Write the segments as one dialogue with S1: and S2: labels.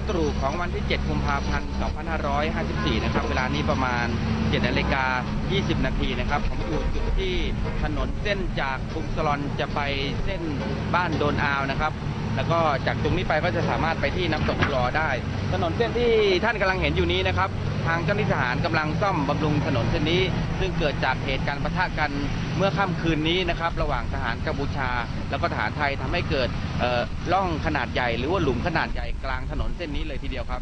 S1: ตรู่ของวันที่ 7 กุมภาพันธ์ 2554 นะครับเวลานี้ประมาณ 7:20 นาทีนะครับผมอยู่จุดที่ถนนเส้นจากภูมิสลอนจะไปเส้นบ้านโดนอาวนะครับแล้วก็จากตรงนี้ไปก็จะสามารถไปที่น้ำตกรอได้ถนนเส้นที่ท่านกำลังเห็นอยู่นี้นะครับทางเจ้าหน้าที่ทหารกำลังซ่อมบำรุงถนนเส้นนี้ซึ่งเกิดจากเหตุการณ์ปะทะกันเมื่อค่ำคืนนี้นะครับระหว่างทหารกัมพูชาแล้วก็ทหารไทยทำให้เกิดร่องขนาดใหญ่หรือว่าหลุมขนาดใหญ่กลางถนนเส้นนี้เลยทีเดียวครับ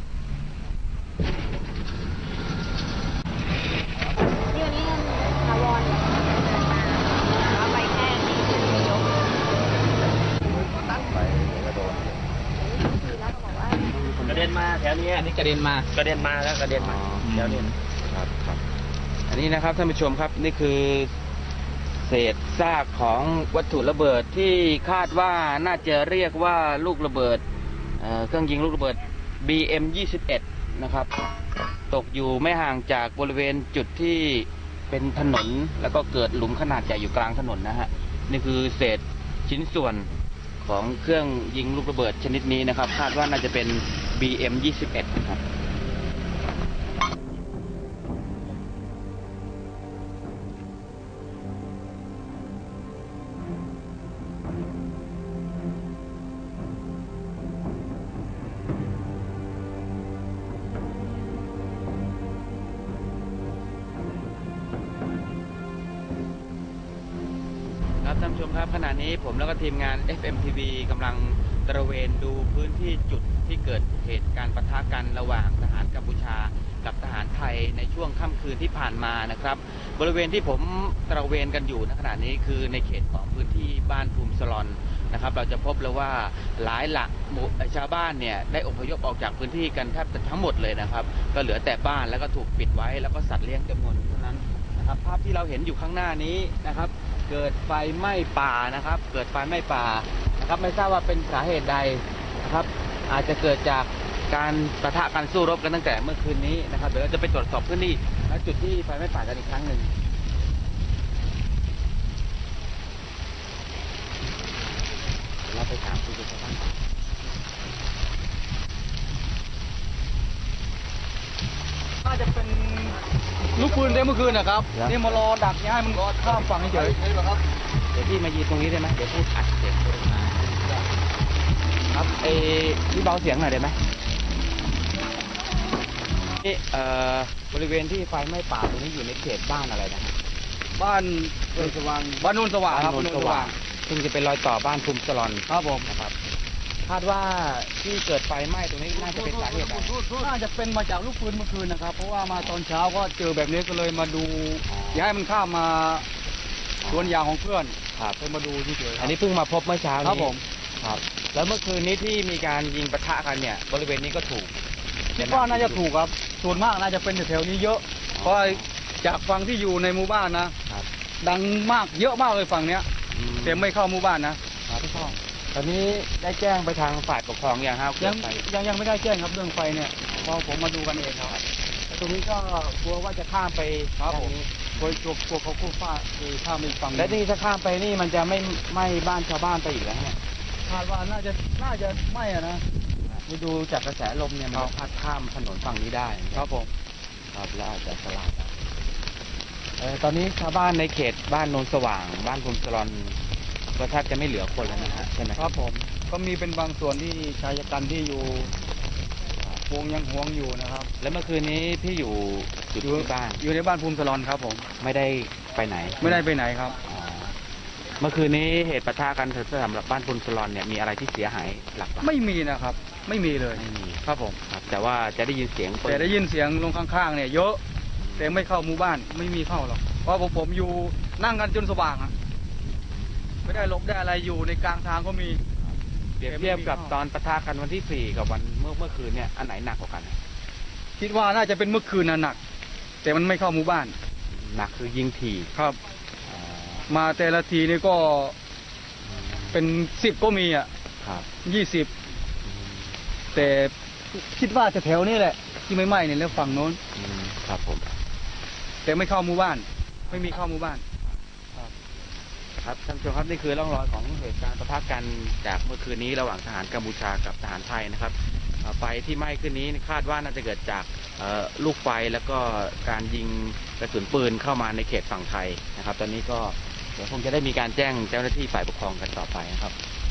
S2: ที่วันนี้ถาวรเอาไปแค่นี้ยก
S1: ตัดไปกระโดด
S2: แล้วก็บอกว่าก
S3: ระเด็นมาแถวนี้
S1: อันนี้กระเด็นมา
S3: แล้วกระเด็นมาแถวนี้
S1: ครับอันนี้นะครับท่านผู้ชมครับนี่คือเศษซากของวัตถุระเบิดที่คาดว่าน่าจะเรียกว่าลูกระเบิดเครื่องยิงลูกระเบิด BM-21 นะครับตกอยู่ไม่ห่างจากบริเวณจุดที่เป็นถนนแล้วก็เกิดหลุมขนาดใหญ่อยู่กลางถนนนะฮะนี่คือเศษชิ้นส่วนของเครื่องยิงลูกระเบิดชนิดนี้นะครับคาดว่าน่าจะเป็น BM-21 นะครับท่านผู้ชมครับขณะนี้ผมแล้วก็ทีมงาน FMTV กำลังตระเวนดูพื้นที่จุดที่เกิดเหตุการณ์ปะทะกันระหว่างทหารกัมพูชากับทหารไทยในช่วงค่ำคืนที่ผ่านมานะครับบริเวณที่ผมตระเวนกันอยู่ณขณะนี้คือในเขตของพื้นที่บ้านภูมิสลอนนะครับเราจะพบเลยว่าหลายหลักชาวบ้านเนี่ยได้อพยพออกจากพื้นที่กันแทบทั้งหมดเลยนะครับก็เหลือแต่บ้านแล้วก็ถูกปิดไว้แล้วก็สัตว์เลี้ยงจำนวนเท่านั้นนะครับภาพที่เราเห็นอยู่ข้างหน้านี้นะครับเกิดไฟไหม้ป่านะครับเกิดไฟไหม้ป่านะครับไม่ทราบว่าเป็นสาเหตุใดนะครับอาจจะเกิดจากการปะทะกันสู้รบกันตั้งแต่เมื่อคืนนี้นะครับเดี๋ยวเราจะไปตรวจสอบพื้นที่และจุดที่ไฟไหม้ป่ากันอีกครั้งหนึ่งเราไปถามผู้ชาวบ้าน
S4: น่าจะเป็นลูกปืนได้เมื่อคืนนะครับนี่มารอดักย้ายมันข้ามฝั่งเฉยๆ
S1: เดี๋ยวพี่มายืนตรงนี้ได้ไหมเดี๋ยวพูดอัดเสียงมาครับพี่เบาเสียงหน่อยได้ไหมนี่บริเวณที่ไฟไหม้ป่าตรงนี้อยู่ในเขตบ้านอะไรนะ
S4: บ้านโนนสว่างครับโนนสว่าง
S1: ซึ่งจะเป็นรอยต่อบ้านภูมิสลอน
S4: ครับผม
S1: นะครับคาดว่าที่เกิดไฟไหม้ตรงนี้น่าจะเป็นสาเหตุอะไร
S4: น่าจะเป็นมาจากลูกปืนเมื่อคืนนะครับเพราะว่ามาตอนเช้าก็เจอแบบนี้ก็เลยมาดูย้ายมันข้ามมาสวนยางของเพื่อน
S1: ครับ
S4: เลยมาดูเฉยๆ
S1: อันนี้เพิ่งมาพบเมื่อเช้านี้
S4: ครับผม
S1: ครับแล้วเมื่อคืนนี้ที่มีการยิงปะทะกันเนี่ยบริเวณนี้ก็ถูก
S4: คิดว่าน่าจะถูกครับส่วนมากน่าจะเป็นแถวนี้เยอะเพราะจากฝั่งที่อยู่ในหมู่บ้านนะครับดังมากเยอะมากเลยฝั่งเนี้ยแต่ไม่เข้าหมู่บ้านนะครับ
S1: ไม่เข้าตอนนี้ได้แจ้งไปทางฝ่ายปกครองอย่างครับ
S4: ยังไม่ได้แจ้งครับเรื่องไฟเนี่ยพอผมมาดูกันเองครับ
S1: ตรงนี้ก็กลัวว่าจะข้ามไป
S4: ครับผมกลัวเขาคู่ฟ้าคือข้ามไปฝั่ง
S1: และนี่ถ้าข้ามไปนี่มันจะไม่ไหม้บ้านชาวบ้านไปอีกแล้วเนี่ย
S4: คาดว่าน่าจะไหม้นะ
S1: นี่ดูจากกระแสลมเนี่ยมันพัดข้ามถนนฝั่งนี้ได้
S4: ครับผม
S1: ครับแล้วอาจจะสลายตอนนี้ชาวบ้านในเขตบ้านโนนสว่างบ้านภูมิสลอนก็แทบจะไม่เหลือคนแล้วนะฮะใช่ไหม
S4: ครับผมก็มีเป็นบางส่วนที่ชายกันที่อยู่วงยังห่วงอยู่นะครับ
S1: แล้วเมื่อคืนนี้พี่อยู่ที่บ้าน
S4: อยู่ในบ้านภูมิสลอนครับผม
S1: ไม่ได้ไปไหน
S4: ครับ
S1: เมื่อคืนนี้เหตุปะทะกันสำหรับบ้านภูมิสลอนเนี่ยมีอะไรที่เสียหายหลัก
S4: ไม่มีนะครับไม่มีเลย
S1: ไม่มี
S4: ครับผม
S1: ครับแต่ว่าจะได้ยินเสียง
S4: แต่ได้ยินเสียงลงข้างๆเนี่ยเยอะแต่ไม่เข้าหมู่บ้านไม่มีเข้าหรอกเพราะผมอยู่นั่งกันจนสว่างไม่ได้หลบได้อะไรอยู่ในกลางทางก็มี
S1: เปรียบเทียบกับตอนปะทะกันวันที่4กับวันเมื่อคืนเนี่ยอันไหนหนักกว่ากัน
S4: คิดว่าน่าจะเป็นเมื่อคืนหนักแต่มันไม่เข้าหมู่บ้าน
S1: หนักคือยิงถี่
S4: ครับมาแต่ละทีนี่ก็เป็น10ก็มี
S1: ครับ
S4: 20แต่คิดว่าจะแถวนี้แหละที่ไม่ไหม้เนี่ยแล้วฝั่งโน้น
S1: ครับผม
S4: แต่ไม่เข้าหมู่บ้านไม่มีเข้าหมู่บ้าน
S1: ครับท่านผู้ชมครับนี่คือร่องรอยของเหตุการณ์ปะทะกันจากเมื่อคืนนี้ระหว่างทหารกัมพูชากับทหารไทยนะครับไฟที่ไหม้ขึ้นนี้คาดว่าน่าจะเกิดจากลูกไฟแล้วก็การยิงกระสุนปืนเข้ามาในเขตฝั่งไทยนะครับ ตอนนี้ก็เดี๋ยวคงจะได้มีการแจ้งเจ้าหน้าที่ฝ่ายปกครองกันต่อไปนะครับ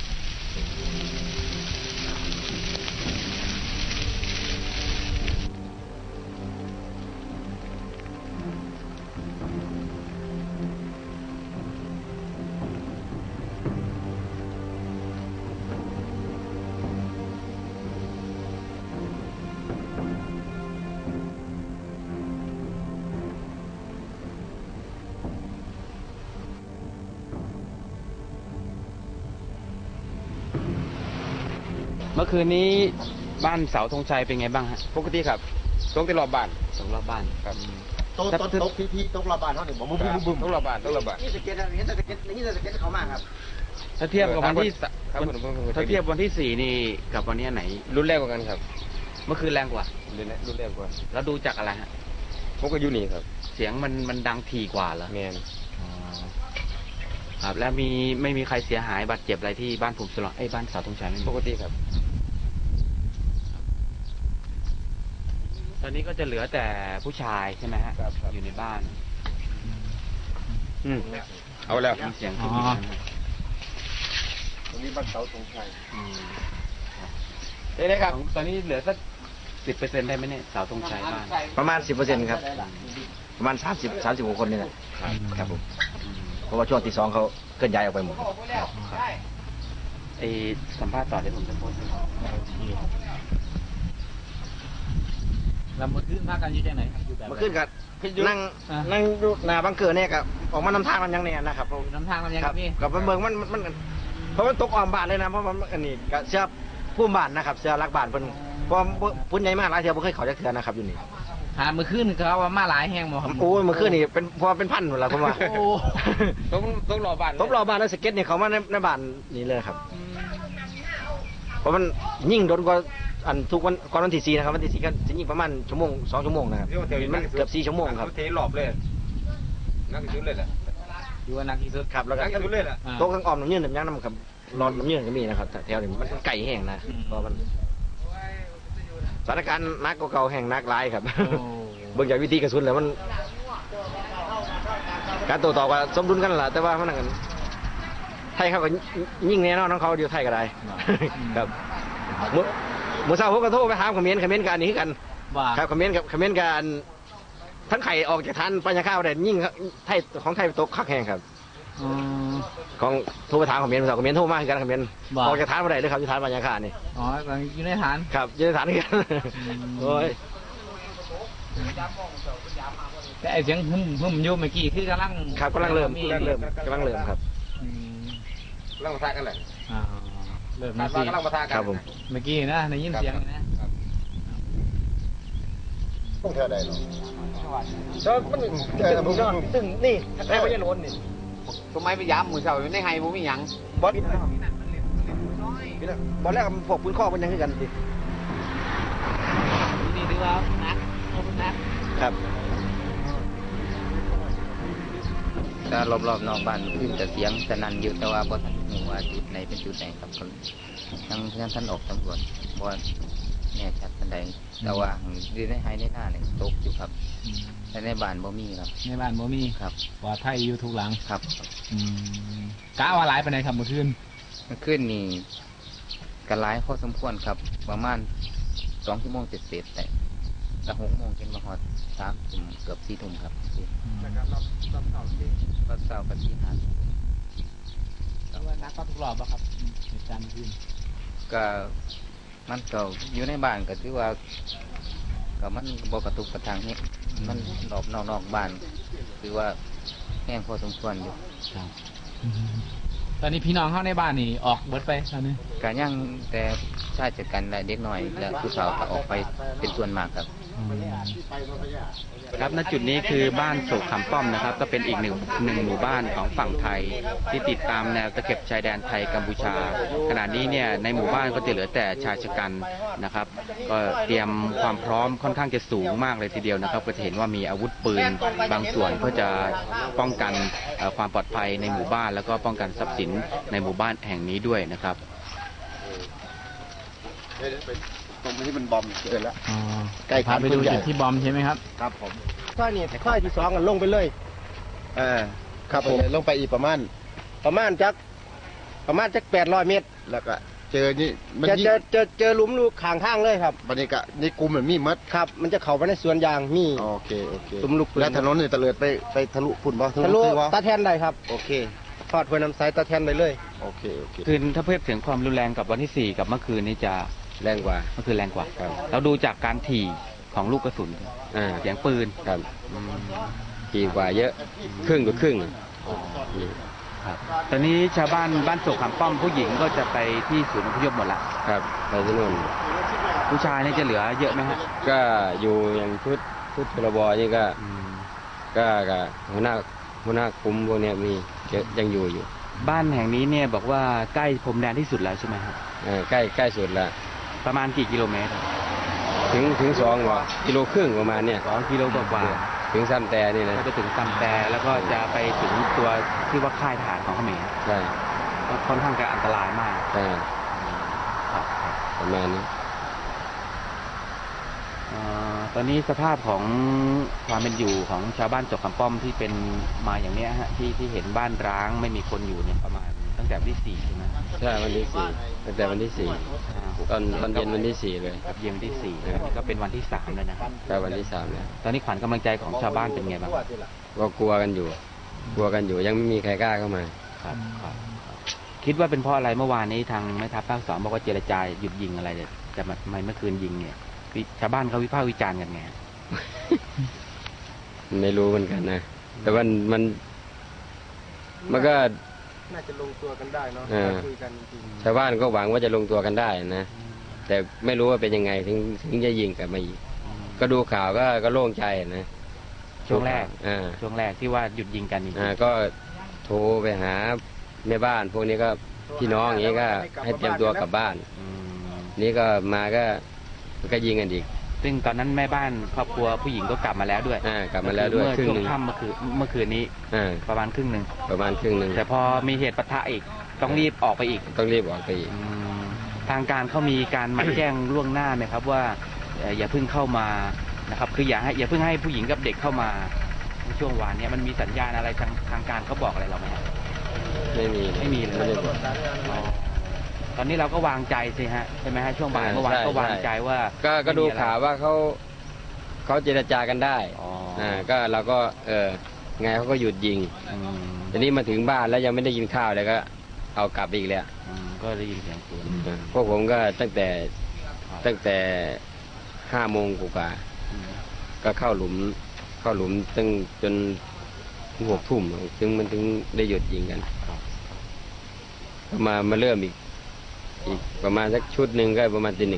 S1: เมื่อคืนนี้บ้านเสาธงชัยเป็นไงบ้างฮะ
S3: ปกติครับตกที่รอบบ้าน
S1: สองรอบบ้าน
S3: ครับ
S5: โต๊ะพี่โต๊ะรอบบ้านเขาเนี่ยบอกบึ้ม
S3: ตกรอบบ้านตกรอบบ้าน
S5: นี่สเก็ตนะเห็นแต่สเก็ตนี่แต่สเก็ตเขามากครับ
S1: ถ้าเทียบกับวันที่
S3: ครับผม
S1: ถ้าเทียบวันที่4นี่กับวันนี้ไหน
S3: รุ่นแรกกว่ากันครับ
S1: เมื่อคืนแรงกว่า
S3: รุ่นแรกกว่า
S1: แล้วดูจากอะไรฮะ
S3: ผมก็อยู่นี่ครับ
S1: เสียงมันดังถี่กว่าเหรอ
S3: แมน
S1: ครับแล้วไม่มีใครเสียหายบาดเจ็บอะไรที่บ้านภูมิสลองบ้านเสาธงชัยไม่มี
S3: ปกติครับ
S1: ตอนนี้ก็จะเหลือแต่ผู้ชายใช่ไหมฮะ
S3: ครับ
S1: อยู่ในบ้าน
S3: เอาแล้ว
S1: มีเสียงที่มีนั้นนะ
S3: ตรงนี้บ้านเสาธงชัย
S1: อืม
S3: เด้ครับ
S1: ตอนนี้เหลือสัก10%ได้ไหมเนี่ยเสาธงชัยบ้าน
S5: ประมาณ 10%ครับ ประมาณ36 คนนี่แหละครับผม
S1: อืม
S5: เพราะว่าช่วงที่2เขาเคลื่อนย้ายออกไปหมด
S1: ครับสัมภาษณ์ต่อเดี๋ยวผมจะโพสต์
S4: แล้วมาขึ้นมากันอยู่ที่ไหนครับอยู่แบบ
S5: เมื่อคืนก็นั่งดูหน้าบังเกอร์เนี่ยกับออกมานำทางมันยังเนี่ยนะครับ
S4: น้ำทางมันยัง
S5: ครับ
S4: พี่
S5: กับเมืองมันเพราะมันตกอ้อมบ้านเลยนะเพราะมันอันนี้ก็เสื้อผู้บ้านนะครับเสื้อรักบ้านเพิ่นเพราะพุ่นใหญ่มากหลายเทื่อบ่เคยเข้าจักเทื่อนะครับอยู่นี่
S4: มือขึ้นเขาว่ามาหลายแห้งบ่ครับ
S5: โอ้ยเมื่อคืนนี่เป็นพอเป็นพันหมดแล้วผมว่า
S4: โอ้
S3: ตกรอบบ้าน
S5: ตบรอบบ้านแล้วสเก็ตนี่เขามาในบ้านนี่เลยครับ เพราะมันยิ่งโดนกว่าอันทุกวันก่อนวันที่4นะครับวันที่4ก็จะยิ่งประมาณ1 2 ชั่วโมงนะครับมันเกือบ4 ชั่วโมงครับ
S3: เทรอบเลยนักที่สุดเลยแหละ
S4: อยู่ว่านักที่สุด
S5: ครับแล้วก็
S3: นักที่สุดเลยแหละ
S5: โต๊ะข้างอ้อมน้ำยืนน้ำยั้งน้ำครับรอดน้ำยืนก็มีนะครับแถวนี้มันไก่แห้งนะเพราะมันสถานการณ์นักกว่าเก่าแห้งนักหลายครับ เบิ่งจากวิธีกระสุนแล้วมัน การโต้ตอบกับสมดุลกันแหละแต่ว่ามันนั่นกันไทยเขาก็ยิ่งแน่นอนของเขาอยู่ไทยก็ได้ ครับเมื่อเช้าผมก็โทรไปถามคอมเมนต์กันอันนี้คือกัน
S4: ว่า
S5: ครับคอมเมนต์กันทั้งไข่ออกจากทานปัญญาข้าวได้ยิ่งไทยของไทยตกคักแห้งครับ ของโทรไปถามคอมเมนต์คอมเมนต์โทรมาคือกันคอมเมนต์ออกจากทานมาได้เลยครับอยู่ทานปัญญาข้านี่
S4: อ๋ออยู่ในฐาน
S5: ครับอยู่ในฐานกันโอ้ย
S4: แต่ไอเสียงหึ่มอยู่เมื่อกี้คือกำลัง
S5: ครับกำลังเริ่มครับ
S4: อืม
S3: กำลังมาทากันแหละ
S4: อ่าเริ่ม
S3: คา
S4: มา
S3: ด
S4: สิ
S3: ว่ากำลังมาทากัน
S5: ครับผม
S4: เมื่อกี้นะได้ยินเสียงนะ
S5: ต้องเท่าใดเนาะมันซึ่งนี่แม่ก็ยังโดนนี่
S3: ทำไมไปย้ำมือเสาอยู่ในไฮบ่มีหยัง
S5: บอสบอสแรกพวกปืนข้อมันยังคือกันสิ
S4: นี่ถือว่านักนัก
S5: ครับ
S6: ก็รอบๆนอกบ้านขึ้นแต่เสียงสนั่นอยู่แต่ว่าบ่ทันหูว่าจุดไหนเป็นจุดไหนครับก็ยังท่านออกตำรวจบ่แน่ชัดปานใดแต่ว่าอยู่ในไฮในหน้าเนี่ยตกอยู่ครับแต่ในบ้านบ่มีครับ
S4: ในบ้านบ่มี
S6: ครับ
S4: ปลอดภัยอยู่ทุกหลัง
S6: ครับ
S4: กะว่าหลายปานใดครับเมื่อคืน
S6: เมื่อคืนนี่ก็หลายพอสมควรครับประมาณ2 ชั่วโมงเสร็จๆแต่ก็6 โมงจนมาฮอด3 ทุ่มเกือบ4 ทุ่มครับก็เช้าก็4 5
S4: ถือว่านักก็ทุกรอบแล้วครับเหตุการณ์เมื่อคืน
S6: ก็มันก็อยู่ในบ้านก็ถือว่าก็มันบ่กระตุกกระทางนี้มันรอบนอกบ้านถือว่าแห้งพอสมควรอยู่
S4: ครับตอนนี้พี่น้องเข้าในบ้านนี่ออกเบิดไปตอนนี้
S6: การย่างแต่ชาติจัดการและเด็กน้อยและผู้สาวก็ออกไปเป็นส่วนมากครับ
S1: ครับณจุดนี้คือบ้านโศกคำป้อมนะครับ ก็เป็นอีกหนึ่งหมู่บ้านของฝั่งไทย ที่ติดตามแนวตะเข็บชายแดนไทยกัมพูชาขณะนี้เนี่ยในหมู่บ้านก็จะเหลือแต่ชายชะกันนะครับ ก็เตรียมความพร้อมค่อนข้างจะสูงมากเลยทีเดียวนะครับ ก็จะเห็นว่ามีอาวุธปืนบางส่วนเพื่อจะป้องกันความปลอดภัยในหมู่บ้าน แล้วก็ป้องกันทรัพย์สินในหมู่บ้านแห่งนี้ด้วยนะครับ
S7: ตรงที่มันบอมเกินแล้ว
S8: อ๋อ
S7: ใกล้
S8: พาไปดูจุดที่บอมใช่ไหมครับ
S7: ครับผม
S9: ถ้านี่ถ้าที่สองกันลงไปเลย
S7: ครับผมลงไปอีกประมาณ
S9: ประมาณจัก800 เมตร
S7: แล้วก็เจอนี่มัน
S9: เจอหลุมลูกข้างทางเลยครับ
S7: บรรยากาศนี่กลุ่มเหมือนมีมัด
S9: ครับ มันจะเข้าไปในสวนยางมี
S7: โอเค
S9: หลุมลูกปืน
S7: แล้วถนนนี่ตะเลิดไปทะลุพุ่นบ่
S9: ทะลุ
S7: ซื้อบ่
S9: ตาแทนได้ครับ
S7: โอเค
S9: ทอดเพื่อน้ำใสตาแทนได้เลย
S7: โอเค
S1: คืนถ้าเทียบถึงความรุนแรงกับวันที่ 4 กับเมื่อคืนนี้จะ
S5: แรงกว่า
S1: เมื่อคืนแรงกว่าเราดูจากการถี่ของลูกกระสุน เสียงปืน
S5: ครับดีกว่าเยอะครึ่งต่อครึ่ง
S1: ครับตอนนี้ชาวบ้านโศกขามป้อมผู้หญิงก็จะไปที่ศูนย์อพยพหมดละ
S5: ครับไปที่นู่น
S1: ผู้ชายนี่จะเหลือเยอะไหมฮะ
S5: ก็อยู่อย่างชุดพลบนี่ก็หัวหน้าคุ้มพวกเนี้ยมีเยอะยังอยู่
S1: บ้านแห่งนี้เนี่ยบอกว่าใกล้พรมแดนที่สุดแล้วใช่ไหมครับ
S5: ใกล้สุดละ
S1: ประมาณกี่กิโลเมตร
S5: ถึง2 กิโลครึ่งประมาณเนี่ย
S1: 2 กิโลกว่า
S5: ถึงซ้ำแต่นี่นะ
S1: ก็จะถึงตำแต่แล้วก็จะไปถึงตัวที่ว่าค่ายทหารของเขมร
S5: ใช่
S1: ก็ค่อนข้างจะอันตรายมาก
S5: ใช่
S1: ครับ
S5: ประมาณนี้
S1: ตอนนี้สภาพของความเป็นอยู่ของชาวบ้านโศกขามป้อมที่เป็นมาอย่างเนี้ยฮะที่เห็นบ้านร้างไม่มีคนอยู่เนี่ยประมาณตั้งแต่วันที่ 4ใช่ไหม
S5: ใช่วันที่ 4ตั้งแต่วันที่ 4ตอนเย็นวันที่ 4เลย
S1: ครับเย็นวันที่4แล้วนี่ก็เป็นวันที่3แล้วนะครับ
S5: ก็วันที่3แล้ว
S1: ตอนนี้ขวัญกำลังใจของชาวบ้านเป็นไงบ้าง
S5: ก็กลัวกันอยู่ยังไม่มีใครกล้าเข้ามา
S1: ครับคิดว่าเป็นเพราะอะไรเมื่อวานนี้ทางแม่ทัพภาค 2บอกว่าเจรจาหยุดยิงอะไรเนี่ยแต่ทำไมเมื่อคืนยิงเนี่ยชาวบ้านเขาวิพากษ์วิจารณ์กันไง
S5: ไม่รู้เหมือนกันนะแต่มันก็
S9: น่าจะลงตัวกันได้เนาะคุยกันจริง
S5: ชาวบ้านก็หวังว่าจะลงตัวกันได้นะแต่ไม่รู้ว่าเป็นยังไงถึงจะยิงกลับมาอีกก็ดูข่าวก็โล่งใจนะ
S1: ช่วงแรก
S5: ช่วง
S1: ที่ว่าหยุดยิงกันจริง
S5: ก็โทรไปหาแม่บ้าน พวกนี้ก็พี่น้องอย่างนี้ก็ให้เตรียมตัวกลับบ้านนี่ก็มาก็ยิงกันอีก
S1: ซึ่งตอนนั้นแม่บ้านครอบครัวผู้หญิงก็กลับมาแล้วด้วย
S5: กลับมาแล้วด้วย
S1: เมื่อ
S5: ครึ่ง
S1: ช่วง
S5: หนึ่ง
S1: ค่ำเมื่อคืนนี้ประมาณครึ่งหนึ่ง แต่พอมีเหตุปะทะอีกต้องรีบออกไปอีก
S5: ต้องรีบออกไปอีก
S1: ทางการเขามีการมาแจ้งล่วงหน้าไหมครับว่าอย่าเพิ่งเข้ามานะครับคืออย่าเพิ่งให้ผู้หญิงกับเด็กเข้ามาในช่วงวานนี้มันมีสัญญาณอะไรทางการเขาบอกอะไรเราไหมครับ
S5: ไม่มี
S1: เลย
S5: ไม่ได้บอก
S1: ตอนนี้เราก็วางใจสิฮะใช่ไหมฮะช่วงบ่ายเมื่อวานก็วางใจว่า
S5: ก็ดูข่าวว่าเขาเจรจากันได้ก็เราก็ไงเขาก็หยุดยิงทีนี้มาถึงบ้านแล้วยังไม่ได้กินข้าวเลยก็เอากลับอีกแล้ว
S1: ก็ได้ยินเสียงปืน
S5: พวกผมก็ตั้งแต่5 โมงกว่าก็เข้าหลุมตั้งจนถึง6 ทุ่มมันถึงได้หยุดยิงกันก็มาเริ่มอีกประมาณสักชุดหนึ่งก็ประมาณตี 1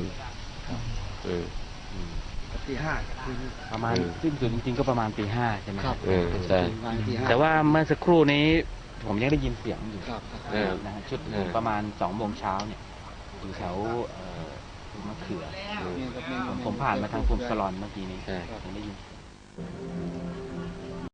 S9: ตี 5
S1: ประมาณสิ้นสุดจริงๆก็ประมาณตี 5ใช่ไหมครับ
S5: ใช่
S1: แต่ว่าเมื่อสักครู่นี้ผมยังได้ยินเสียงอยู่นะฮะชุดประมาณ2 โมงเช้าเนี่ยอยู่แถวมะเขือผมผ่านมาทางภูมิสลอนเมื่อกี้นี้ยังได้ยิน